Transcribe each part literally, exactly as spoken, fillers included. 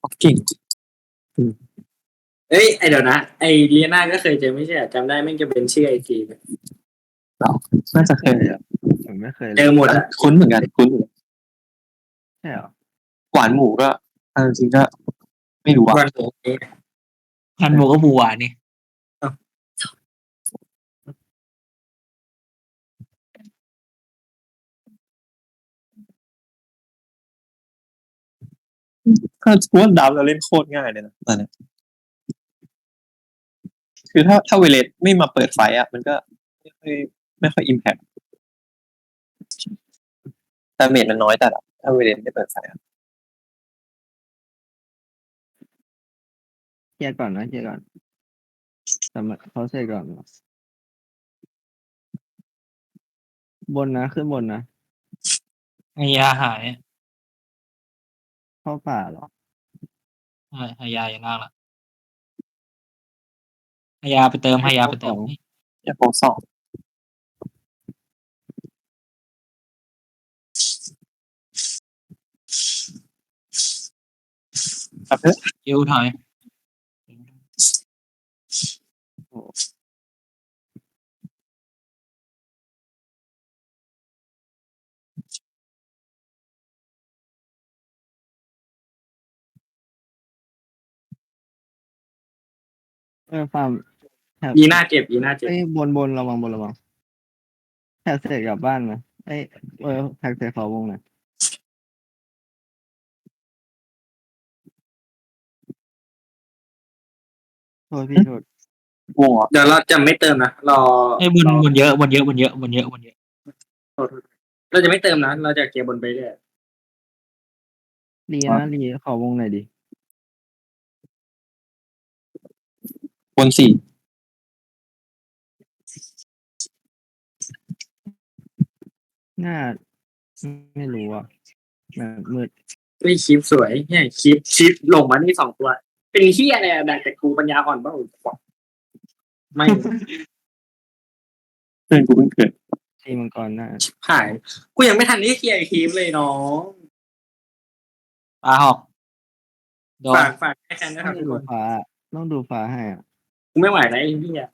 เก่งเอ้ยไอเดี๋ยวนะไอเลียนาก็เคยเจอไม่ใช่จำได้แม่งจะเป็นชื่อไอทีน่าจะเคยเลยผมไม่เคยเจอหมดอ่ะคุ้นเหมือนกันคุ้นใช่เหรอหวานหมูก็จริงก็ไม่รู้ว่าวันโหนี้พันโบก็บัวนี่ถ้าสมมติดับเราเล่นโคตรง่ายเลยนะตอนนี้คือถ้าถ้าเวเลสไม่มาเปิดไฟอ่ะมันก็ไม่ค่อยไม่ค่อยอิมแพคแต่เมจมันน้อยแต่ละถ้าเวเลสไม่เปิดไฟอ่ะเคลียร์ก่อนนะเคลียร์ก่อนแต่เขาเสร็จก่อนบนนะขึ้นบนนะไฮยาหายเข้าป่าเหรอใช่ไฮยาอย่างล่างละไฮยาไปเติมไฮยาไปเติมอย่าโพสองครับเพื่อยิวถอยเออฟาร์มแถบยีน่าเจ็บยีน่าเจ็บเอ้ยบนบนระวังบนระวังแถบเสร็จกลับบ้านนะเอ้ยเออแท็กเสร็จเขาวงหน่อยโทษพี่โทษวงเหรอเดี๋ยวเราจะไม่เติมนะรอไอ้บนบนเยอะบนเยอะบนเยอะบนเยอะบนเยอะเราจะไม่เติมนะเราจะเกียร์บนไปเรื่อยรีนะรีขอวงหน่อยดิวงสี่น่าไม่รู้อ่ะแบบมืดเฮ้ยคลิปสวยเนี่ยคลิปคลิปลงมานี่สองตัว เป็นเฮียอะไรอะแต่แต่กูปัญญาอ่อนเปล่าไม่เพื่อนกูเพิ่งเกิดทีมังกรน่าหายกูยังไม่ทันที่เคลียร์คลิปเลยน้องปลาหอกโดนฝากฝากให้แคนด้วยคต้รัอบ งทุกดูคนฟ้าต้องดูฟ้าให้อ่ะกูไม่ไหวแล้วไอ้เฮีย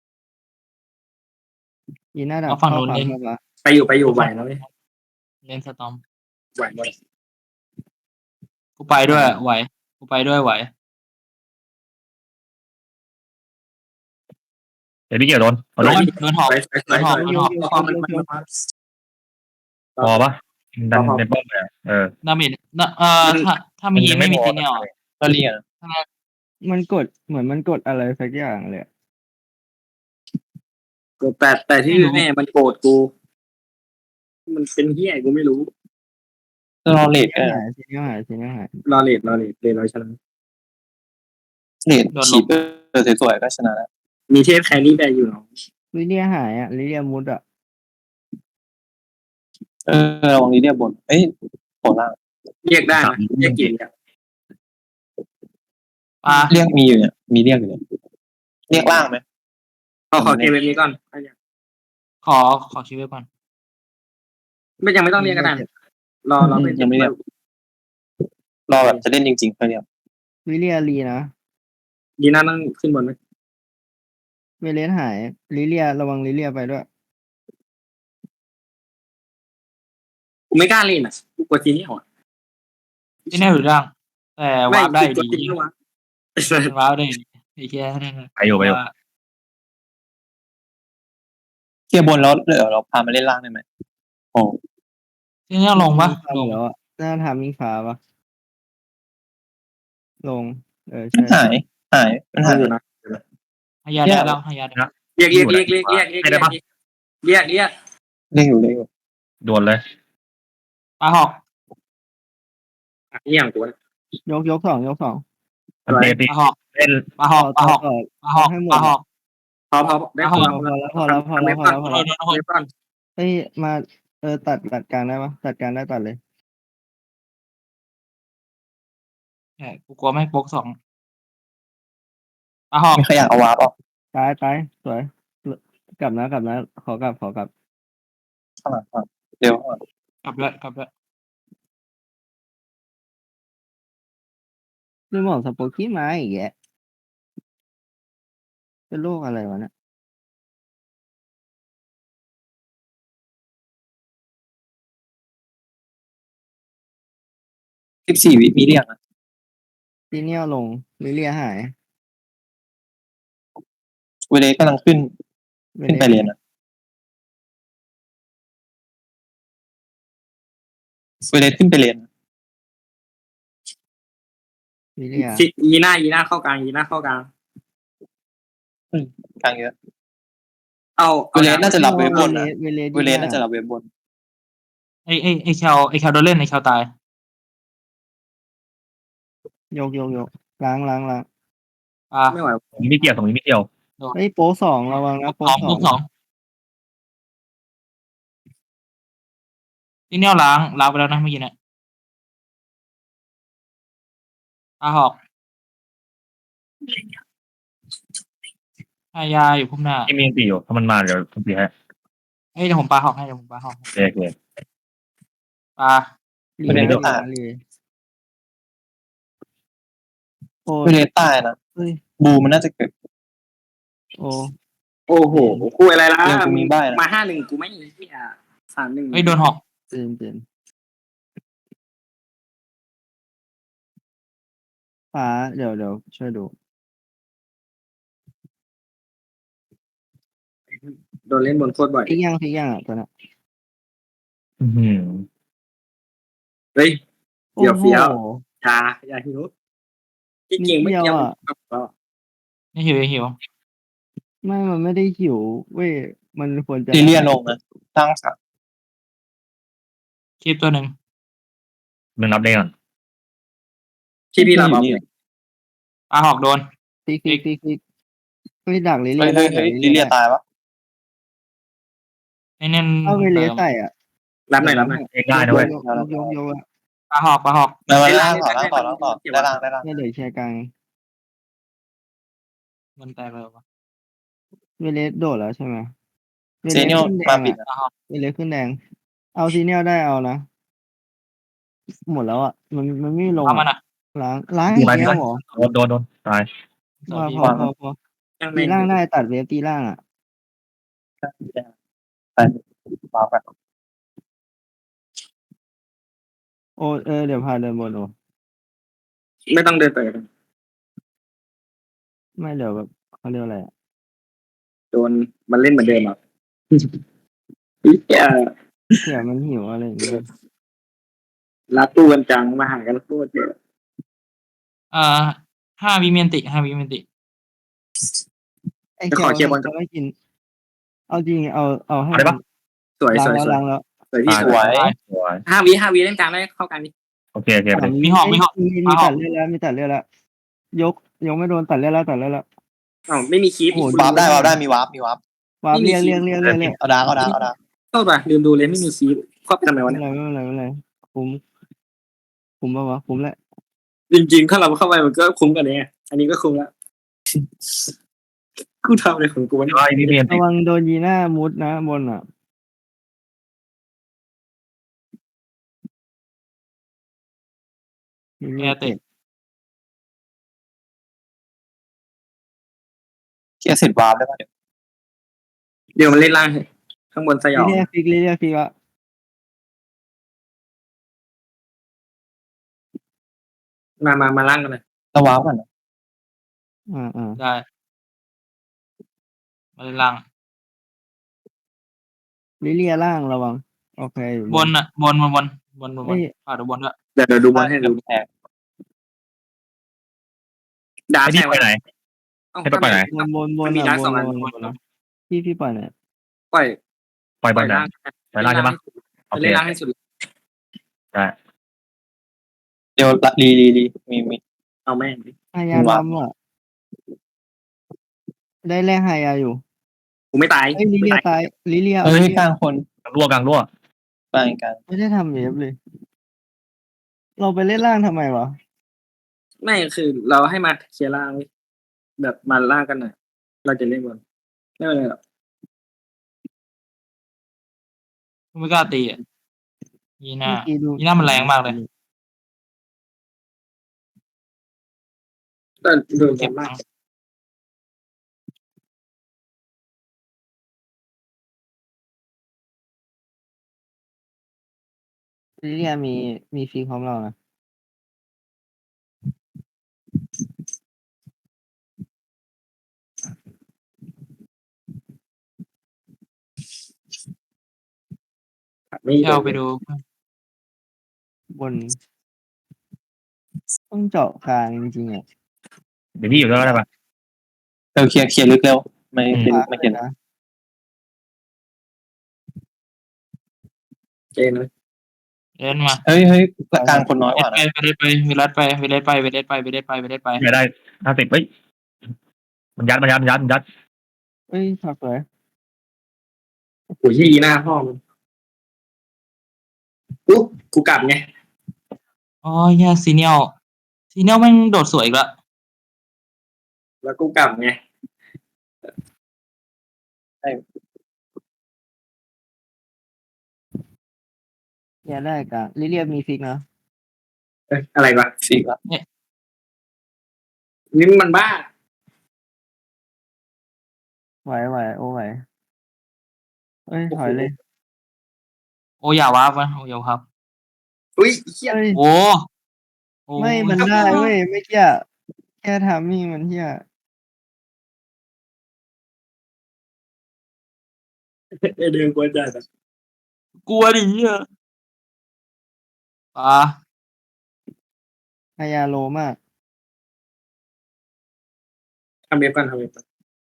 ยีน่าดับเอาฝั่งเข้านู้นฟ้าเล่นเข้าฟ้าไปอยู่ไปอยู่ไหวแล้วเว้ยเล่นสตอมไหวหมดกูไปด้วยไหวกูไปด้วยไหวเดี๋ยวพี่เกี่ยวโดนเอาโดโดนนโดนหอกไปไปไปหอบไปหอบพอมันมันมันพอปะดันพอในป้อมเลยอะเออดาเมจน่ะเอ่อถ้าถ้ามีไม่มีพอซีเนียลก็เรียนมันกดเหมือนมันกดอะไรสักอย่างเลยอะแต่แต่ที่แน่มันโกรธกู มันเป็นเฮียกูไม่รู้รอเลดทีก็นี้หายทีนี้หายทีนี้หายรอเลดรอเลดเลดเราชนะเลดฉีดเออสวยๆก็ชนะแล้วมีเทพแครี่ได้อยู่เนาะลิเลียหายอ่ะลิเลียมุดอ่ะเออระวังนี้เรียบบนเอ้ยโผล่ล่างเรียกได้นะเรียกกี่อ่ะปลาเรียกมีอยู่เนี่ยมีเรียกอยู่เนี่ยเรียกล่างไหมขอขอเกมแบบนี้ก่อนขอขอคิวไว้ก่อนไม่ยังไม่ต้องเรียกก็ได้รอรอเป็นยังไม่เรียกรอแบบจะเล่นจริงๆค่อยเรียกลิเลียรีนะดีน่าต้องขึ้นบนไหมเวเลสหายลิเลียระวังลิเลียไปด้วยกูไม่กล้าเล่นอ่ะกูกลัวทีนี้หัวซีเนียลอยู่ล่าง แต่วาร์ปได้กลัวดีทีนี้วะวาร์ปได้ดีไอ้แค่นั่นไปอยู่ไปอยู่เคลียร์บนแล้วเดี๋ยวเราพามาเล่นล่างได้ไหมโอ้ซีเนียลลงปะลงแล้วอ่ะน่าทำมิงฟ้าปะลง เออมันใช่หายหายมันหายอยู่นะไฮยาได้แล้วไฮยาได้เรียกเรียกเรียกเรียกเรียกเรียกเรียกเรียกเรียกเล่นอยู่เล่นอยู่โดนเลยปลาหอกเรียกกูนะยกยกสองยกสองมันเตะปตีลาหอกเล่นปลาหอกปลาหอกต่อปลาหอกให้หมปดลาหอกพอพอได้พอพอแล้วพอแล้วพอแล้วพอแล้วพอแล้วพอแล้วเว็บก่อนเอ้ยมาเออตัดตัดกลางได้ปะตัดกลางได้ตัดเลยแหมกูกลัวไม่โป๊กสองปลาหอกมีใครอยากเอาวาร์ปออกตายตายสวยกลับนะกลับนะขอกลับขอกลับข้างหลังก่อนเร็วก่อนกลับเลยกลับเลยลืมบอกสโปอกี้มาอีกแกเป็นโรคอะไรวะเนี่ยสิบสี่วิมีเรียกอะซีเนียลลงลิเลียหายเวเลสกำลังขึ้นขึ้นไปเลนอะเวเลสขึ้นไปเลนลิเลียชิยีหน้ายีหน้าเข้ากลางยีหน้าเข้ากลางกลางเยอะเอาเวเลสน่าจะรับเวฟบนเลนะสเวเลสเวเลสน่าจะรับเวฟบนไอไอไอแคลไอแคลโดนเล่นไอแคลตายยกยกยกล้างล้างล้างอ่าไม่ไหวตรงนี้ไม่เกี่ยวตรงนี้ไม่เกี่ยวเฮ้ยโป๊สองระวังนะพวโป๊กสองสพอวงกสองที่เนี่ยล้างล้างไปแล้วนะเมื่อกี้เนี่ยอาหอกอายาอยู่พุ่มหน้าที่มีตีอยู่ถ้ามันมาเดี๋ยวผมตีให้เฮ้ยเดี๋ยวผมปาหอกให้เดี๋ยวผมปาหอกให้โอเคโอเคปาลีเวเลสลีตายลีโอ้เวเลสตายนะเฮ้ยบูมันน่าจะเกิดโอ้โอ้โหคุยอะไรล่ะเดี๋ยวกูมีใบ้นะมาห้าหนึ่งกูไม่เหี้ยสามหนึ่งเฮ้ยโดนหอกเตือนเตือนฟ้าเดี๋ยวเดี๋ยวช่วยดูโดนเล่นบนโคตรบ่อยพลิกยังพลิกยังอ่ะตัวเนี้ยอือหือเฮ้ย เดี๋ยวโอ้โหเฟี้ยว อย่าอย่าหิวจริงๆไม่นิดเดีเกี่ยยว วอะก็นี่หิวหิวไม่มันไม่ได้หิวเว้ยมันควรจะลิเลียลงนะตั้งสักคลิปตัวหนึ่งมึงรับได้ก่อนที่พี่รับเอานี่ปาหอกโดนพลิกพลิกพลิกพลิกเฮ้ยดักลิเลีเฮ้ยยได้เฮ้ยดักเฮ้ยลิเลียตายวะไอเน้นเอาเวเลสใส่อ่ะรับหน่อยรับหน่อยเองได้นะเว้ยยกยกยกยกอะปาหอกปาหอกมามาได้ล่างได้ต่อได้ล่างต่อได้ล่างต่อได้ได้ล่างได้ล่างเนี่ยเดี๋ยวแชร์กลางมันแตกเลยวะเวเลสโดดแล้วใช่ไหมวเซลสเนียลขึ้นแดมาง ปิดอะนะปาหอกเวเลสขึ้นแดง เอาซีเนียลได้เอานะ หมดแล้วอ่ะ มันมันไม่ลงเอามันอะอ่ะล้างล้างดูอีกไปแล้วเหรอโดนโดนโดนตายสวัสดีพอพอพอยังตีไม่ล่างได้ตัดเวฟตีล่างอ่ะไปวางไปโอ้เออเดี๋ยวพาเดินบนโอไม่ต้องเดินไปไม่เดี๋ยวแบบเขาเรียกอะไรอะโดนมันเล่นเหมือนเดิมอ่ะเหี้ยเผื่อมันหิวอะไรอย่างเงี้ยรักตู้กันจังมาหากันโคตรเยอะอ่าห้าวิเมียนติห้าวิเมียนติไอ้เกียวมันจะไม่กิน เอาจริงเอาเอาให้เอาได้ปะสวยล้าสงวยแล้วสวยล้างแล้วสวยพี่ตายสวยสวยห้าวิห้าวิเล่นกลางได้เข้ากลางดิโอเคโอเคไปเลยมีหอกมีหอกมีมีตัดเลือดแล้วมีตัดเลือดแล้วยกยกไม่โดนตัดเลือดแล้วตัดเลือดแล้วอ๋อไม่มีคีปโอ้โหวาร์ปได้วาร์ปได้มีวาร์ปมีวาร์ปวาร์ปเรียกเรียกเรียกเรียกเรียกเอาดาร์กเอาดาร์กเอาดาร์กโทษป่ะลืมดูเลยไม่มีคีปเข้าไปทำไมไม่วะเป็นเนี่ยไรไม่เป็นไรไม่เป็นไรคุ้มคุ้มป่าวะคุ้มแหละจริงๆถ้าเราเข้าไปมันก็คุ้มกันเนี่ยอันนี้ก็คุ้มละกูทำอะไรของกูวะเนี่ยว่าไอ้นี่เมียนติระวังโดนยีหน้ามุดนะบนอ่ะแอร์เตะเคลียร์เสร็จวาร์ปได้ปะเดี๋ยวเดี๋ยวมันเล่นล่างให้ข้างบนสยองเรียกฟิกเรียกฟิกอะมามามาล่างกันเลยเราวาร์ปก่อนนะอ่าอ่าได้มาเล่นล่างลิเลียล่างระวังโอเคอยู่บนอ่ะบนบนบนบนบนบเอ้นยอ่าเดี๋ยวบนด้วยเดี๋ยวเดี๋ยวดูบอลให้ดูแตกดาไอ้ร์กนี่แทงไปไหนเอ้าให้ไปไหนบนบนบนมันมีอะดาร์กบสอน งอันบนบนบนพี่พี่ปล่อยหน่อยปล่อยปล่อยบปล่ออลยไหนล่างปล่อยล่างใช่ปะโอเคเล่นล่างให้สุดได้เดี๋ยวรีรีรีมีมีเอาแม่งดิฮายาดำอ่ะได้แรกฮายาอยู่กูไม่ตายเอ้ยลิไม่เลียตายตายลิเลียเอ้ยลิเลียกลางคนกลางรั่วกลางรั่วกลางกันไม่ได้ทำเวฟเลย เราไปเล่นล่างทำไมวะไม่คือเราให้มาเคลียร์ล่างเว้ยแบบมาล่างกันหน่อยเราจะเล่นบอลไม่เป็นไรหรอกไม่กล้าตีอ่ะยีหน้าเมื่อกี้ดูยีหน้ามันแรงมากเลยแต่โดนบเก็อบ ลหมาลักงลิเลียมีมีฟรีพร้อมเรานะไม่แค่โดเอานไปดูบน ต้องเจาะกลางจริงๆอ่ะเดี๋ยวพี่อยู่ด้วยก็ได้ปะเร็วเคลียร์เคลียร์ลึกเร็วไม่อืมเป็นฟ้าไม่เลเห็ยนนะเจนเลยเล่นมาเฮ้ยเฮ้ยกลางคนน้อยกเล่ว่านไปนะเวเลสไปเวเลสไปเวเลสไปเวเลสไปเวเลสไปเวเลสไปไม่ได้ห้าสิบเฮ้ยมันยัดมันยัดมันยัดมันยัดเอ้ยผักเลยโอ้โหยี่หน้าพ่อมันอุ๊บกูกลับไงอ๋อเหี้ยซีเนียลซีเนียลแม่งโดดสวยอีกแล้วแล้วกูกลับไงอย่าได้กลางลิเลียมีฟิกนะเอ้ยอะไรวะสี่ละนี่มันบ้าไหวไหวโอ้ไหวเอ้ยถอยเลยโอ้อย่าวาร์ปวะโอ้อย่าวาร์ปอุ้ยเฮียเอ้ยโอ้โอ้ไม่มันได้เว้ยไม่เกี้ยแค่ทำมิ่งมันเฮียเดินกวนจัดอะกลัวดิเหี้ยอ่าฮายาโลมากทำเว็บก่อนทำเว็บก่อน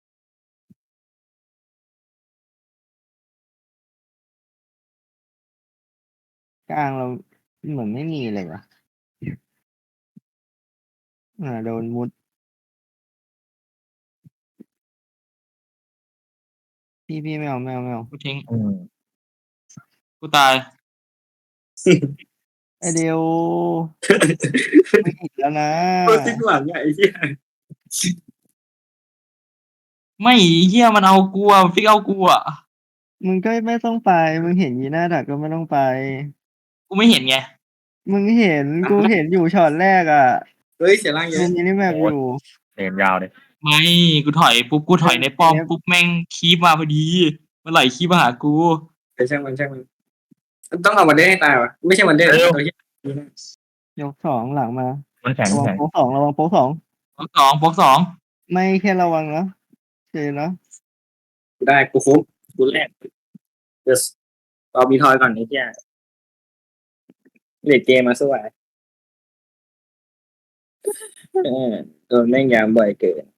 กลางเราเหมือนไม่มีเลยว่ะอ่าโดนมุดพี่พี่ไม่เอาไม่เอาไม่เอากูทิ้งอืมกูตายไอเดียวไม่อีกแล้วนะโคตรสิ้นหวังอะไอ้เหี้ยไม่เหี้ยมันเอากูอะฟิกเอากูอะมึงก็ไม่ต้องไปมึงเห็นยีหน้าดักก็ไม่ต้องไปกูไม่เห็นไงมึงเห็นกูเห็นอยู่ช็อตแรกอ่ะเฮ้ยเสียร่างเยดูอะมินิแมปอยู่เนมยาวเลยไม่กูถอยปุ๊บกูถอยในป้อมเอฟปุ๊บแม่งคีบมาพอดีมันไหลคีบมาหากูแต่ช่างมันช่างมันต้องเอาวันเดอร์ให้ตายวะไม่ใช่วันเดอร์ตัวเหี้ยยกสองหลังมามันแข็งระวังแข็งโป๊กสองระวังโป๊กสองบล็อกสองบล็อกสองไม่แค่ระวังนะเจอนะกูได้กูคุ้มกูแรกเดี๋ยวเรามีทอยก่อนไอ้เหี้ยเลดเกมมาสวยเออโดนแม่งยามบ่อยเกิน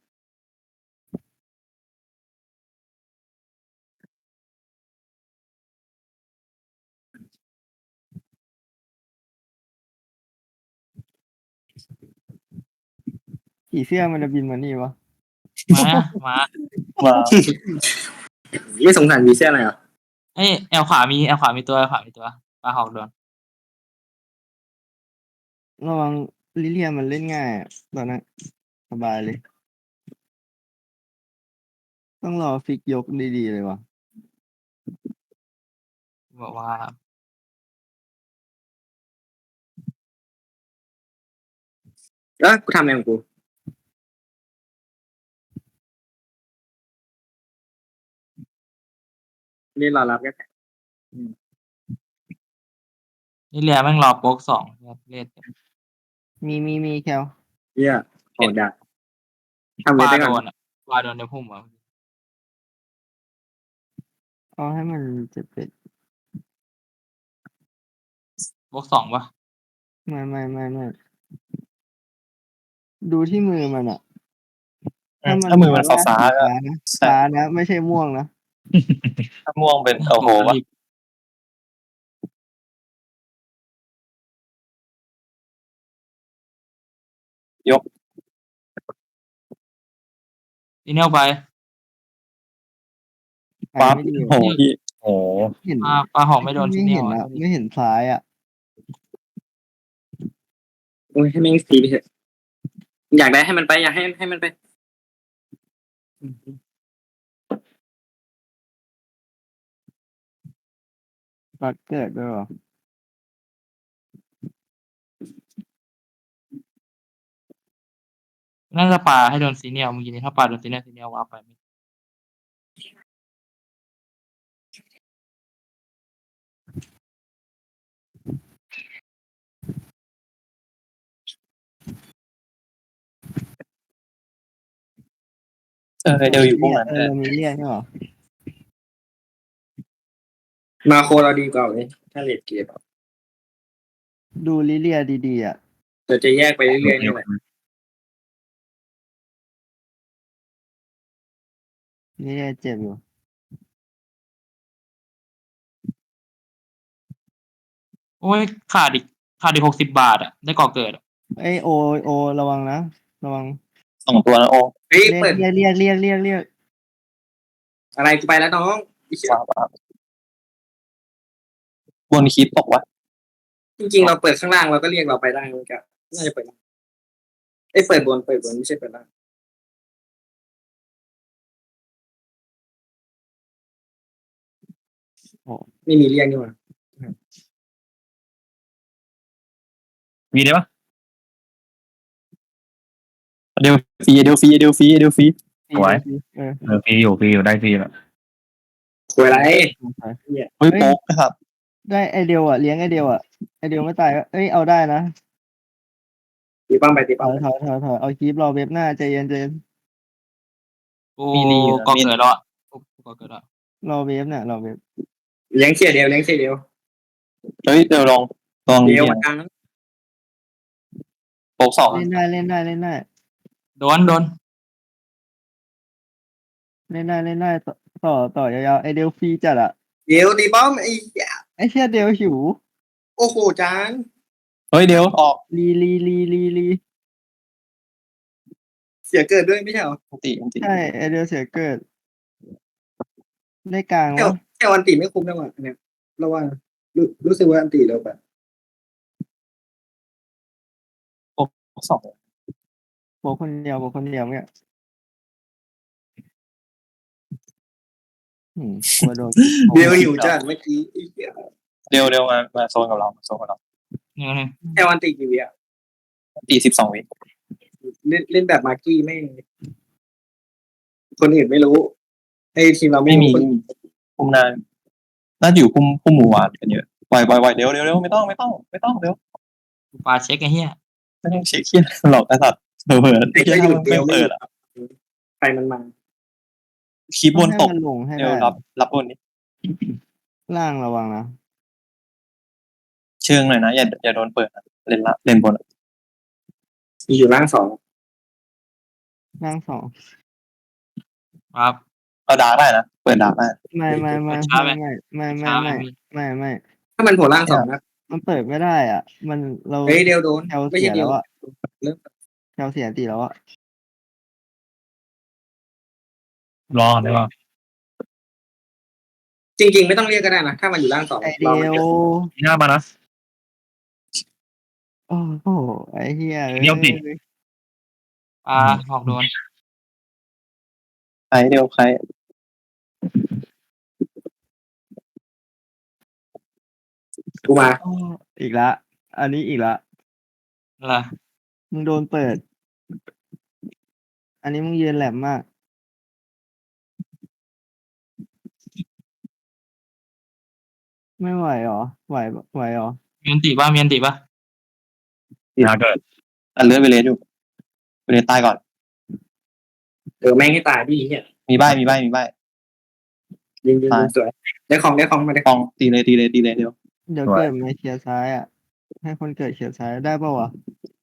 ผีเสื้อมันจะบินมานี่วะมามามาไม่สงสารวีเซียอะไรเหรอเอ้ยแอลขวามีแอลขวามีตัวแอลขวามีตัวปลาหอกโดนระวังลิเลียมันเล่นง่ายอะตอนนั้นสบายเลย ต้องรอฟิกยกดีๆเลยวะบอกว่าเออกูทำอะไรของกูนี่รอรับกันนี่เรียแม่งรอโป๊กสองเล่นมีมีมีแคลเหี้ยโหดดักทำปเว็บลาได้โดก่อนนอ่ะปลาโดนในพุ่มอ่ะเอาให้มันเจ็บเป็ดโป๊กสองปะไม่ไม่ไม่ไม่ดูที่มือมันอะถ้ามือมันฟ้าฟ้าๆก็ฟ้านะฟ้านะไม่ใช่ม่วงนะถ้าม่วงเป็นโอ้โหวะ ยกทีเนียลไปปั๊บไม่ดีโอ้โหพี่โอ้โหเห็นปลาปลาหอกไม่โดนทีไม่เนียเห็ลนอ่ะอะไม่เห็นซ้ายอะโอ้ยให้แม่งสีไปเถอะอยากได้ให้มันไปอยากให้ให้มันไปปัดเกิดด้วยเหรอน่าจะปาให้โดนซีเนียลเมื่อกี้นี้ถ้าปาโดนซีเนียลซีเนียลวาร์ปไปเออเดี๋ยวอยู่พวกนั้นเอเอออเรามีเรียกใช่หรอมาโคเราดีกว่าเลยถ้าเลดเกมดูลิเลียดีๆอ่ะเราจะแยกไปเรื่อยๆนี่แหละลิเลียเจ็บอยู่โอ้ยขาดอีกขาดอีกหกสิบบาทอ่ะได้ก่อเกิดอะเอ้ยโอโอระวังนะระวังสองตัวนะโอ้เฮ้ยเรียกเปิดเรียกเรียกเรียกเรียกเรียกอะไรกูไปแล้วน้องไอ้เหี้ยว้าวว้าวบนคลิปบอกว่าจริงๆเราเปิดข้างล่างเราก็เรียกเราไปได้เหมือนกันน่าจะเปิดล่างเอ้ยเปิดบนเปิดบนไม่ใช่เปิดล่างไม่มีเรียกนี่หว่ามีได้ปะเดี๋ยวฟรีเดี๋ยวฟรีเดี๋ยวฟรีเดี๋ยวฟรีเออเออฟรีอยู่ฟรีอยู่ได้ฟรีแล้วคุยอะไรเฮ้ยโป๊กนะครับได้ไอเดียวอ่ะเลี้ยงไอเดียวอ่ะไอเดียวไม่ตายก็เอ้ยเอาได้นะตีป้อมไปตีถป้อมอยไปถอยถอยถอยเอาคลิปรอเว็บหน้าใจเย็นใจเย็นกูก่อเกิดแล้วอ่ะกูก่อเกิดแล้วรอเว็บเนี่ยรอเว็บเลี้ยงเชียร์เดียวเลี้ยงเชียร์เดียวเฮ้ยเดี๋ยวลองลองเดียวเรียมาง กลางโป๊กสองเล่นได้เล่นได้เล่นได้โดนโดนเล่นได้เล่นได้ต่อต่อต่อยาวๆไอเดียวฟรีจัดอ่ะเดียวตีป้อมไอ้เหี้ยไอเชี่ยเดียวหิวโอ้โหจานเฮ้ยเดี๋ยวออกลีลีลีลีลีเสียเกิดด้วยไม่ใช่เหรออันติอันติใช่ไอเดียวเสียเกิด ได้กลางแค่วะแค่วันตีไม่คุ้มนะว่ะเนี่ยเราว่ารู้รู้สึกว่าอันตีเราแบบโป๊กสองโบกคนเดียวโบกคนเดียวเนี่ยอืมกลัวโดนเดียวหิวจัดเมื่อกี้ไอ้เหี้ยเดี๋ยวเดี๋ยวมามาโซนกับเรามาโซนกับเราหนึ่งหนึ่งแค่วันตีกี่วิอ่ะอันติสิบสองวิเล่นเล่นแบบมาร์กี้ไม่คนอื่นไม่รู้ไอ้ทีมเราไม่ไม่มีรู้คนคุมนานน่าจะอยู่คุมคุมหมู่หวานกันเยอะปล่อยปล่อยปล่อยเดี๋ยวเดี๋ยวเดี๋ยวไม่ต้องไม่ต้องไม่ต้องเดี๋ยวกูปาเช็คไอ้เหี้ยไม่ต้องเช็คเคียหรอกไอ้สัตว์เผลอเผลอไอ้เคียก็อยู่ทำเดีไม่ยวไม่เปิอยู่ดอ่ะใครมันมาคลิปบนตกให้มันลงให้เดี๋ยวได้รับรับบนนี้ล่างระวังนะเชิงหน่อยนะอย่าอย่าโดนเปิดนะเล่นละเล่นบนอะมีอยู่ล่างสองล่างสองครับเอาดาร์กได้นะเปิดดาร์กได้ไม่ไม่ไม่ช้าไหมไม่ไม่ไม่ช้าไหมไม่มีไม่ไม่ถ้ามันโผล่ล่างสองนะมันเปิดไม่ได้อ่ะ มันเราเฮ้ยเดียวโดนแถวไม่เสีใช่ยเดียแล้ว วอ่ะเริ่มแถวเสียตีแล้วอ่ะรอได้ปะจริง ๆ ไม่ต้องเรียกก็ได้นะถ้ามันอยู่ล่างสองไอรอเดีมันยวเกิดหน้ามานะโอ้โหไอเฮียเดี๋ยวดิปาหอกโดนใครเดียวใครกูมาอ้ออีกละ อันนี้อีกละอะไรมึงโดนเปิด อันนี้มึงยืนแหลมมาก ไม่ไหวหรอ ไหวไหวหรอมีอันติป่ะมีอันติป่ะหน้าเกิดอันเลือดไปเลสอยู่ไปเลสตายก่อนเออแม่งให้ตายพี่เนี่ยมีใบมีใบมีใบยิงยิงยิงสวยได้ของได้ของมาได้ฟองตีเลยตีเลยตีเลยเดียวเดี๋ยวเกิดมาเคลียร์ซ้ายอ่ะ ให้คนเกิดเคลียร์ซ้ายได้ป่าวะ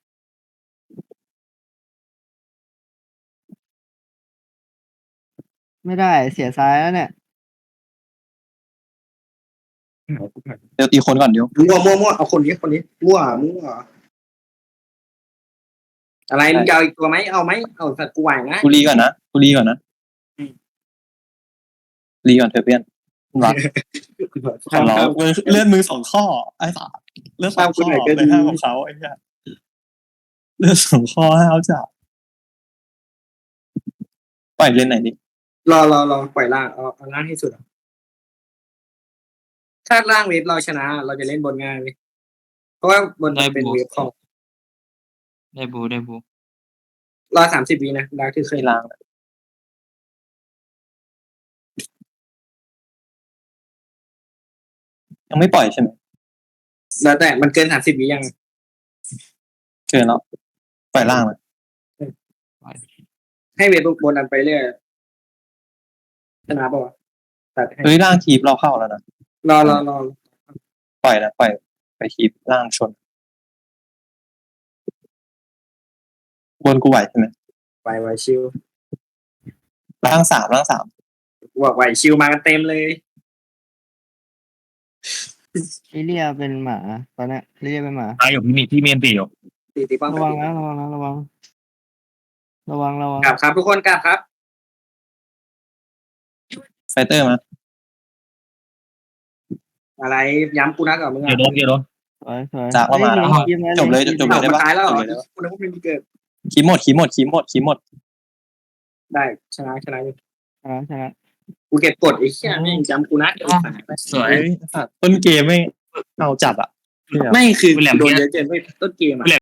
ไม่ได้เสียซ้ายแล้วเนี่ยเดี๋ยวตีคนก่อนเดี๋ยวมั่วมั่วมั่วเอาคนนี้คนนี้มั่วมั่วอะไรมึงจะเอาอีกตัวไหมเอาไหมเอาสัตว์กูไหวนะกูรีก่อนนะกูรีก่อนนะรีก่อนเถอะเพื่อนรักขอร้องเลื่อนมือสองข้อไอ้สาเลื่อนสองข้อเลยห้ามของเขาไอ้เหี้ยเลื่อนสองข้อให้เขาจับปล่อยเล่นไหนดิรอรอรอปล่อยล่างเอาเอาล่างให้สุดอะถ้าล่างเวฟเราชนะ เราจะเล่นบนง่ายเลยเพราะว่าบนมันเป็นเวฟของได้บูได้บูรอสามสิบวินะดาร์กที่เคเคยยล้างนะยังไม่ปล่อยใช่ไหมแล้วแต่มันเกินสามสิบวิยังเกินแล้วปล่อยล่างเลยให้เวทบนอันไปเรื่อยชนะป่าวะตัดให้เฮ้ยล่างคีบเราเข้าแล้วนะรอรอรอปล่อยนะปล่อยไปคีบล่างชน บนกูไหวใช่ไหมไปไวชิวล่างสามล่างสามกูบอกไหวชิวมากันเต็มเลยลิเลียเป็นหมาตอนเนี้ยลิเลียเป็นหมาตายอยู่พี่มีพี่เมียนตีอยู่ตีตีป้อมระวังนะระวังนะระวัง ระวังระวังกลับครับทุกคนกลับครับไฟเตอร์มาอะไรย้ำกูนักกับมึงเดี๋ยวโดนเดี๋ยวโดนสวยสวยจากเข้ามาแล้วฮ้ยงจบเลยงจบเลยเอาได้มาปะตายแล้วเหรอจบเลยได้ปะกูนึกว่ามันมีเกิดคีบหมดคีบหมดคีบหมดคีบหมดคีบหมดได้ชนะชนะอยู่ชนะชนะกูเก็บกดไอ้เหี้ยแม่งย้ำกูนักสวยเฮ้ยสัตว์ต้นเกมไม่เอาจัดอ่ะไม่คือโดนเยอะเกินไปต้นเกมอ่ะ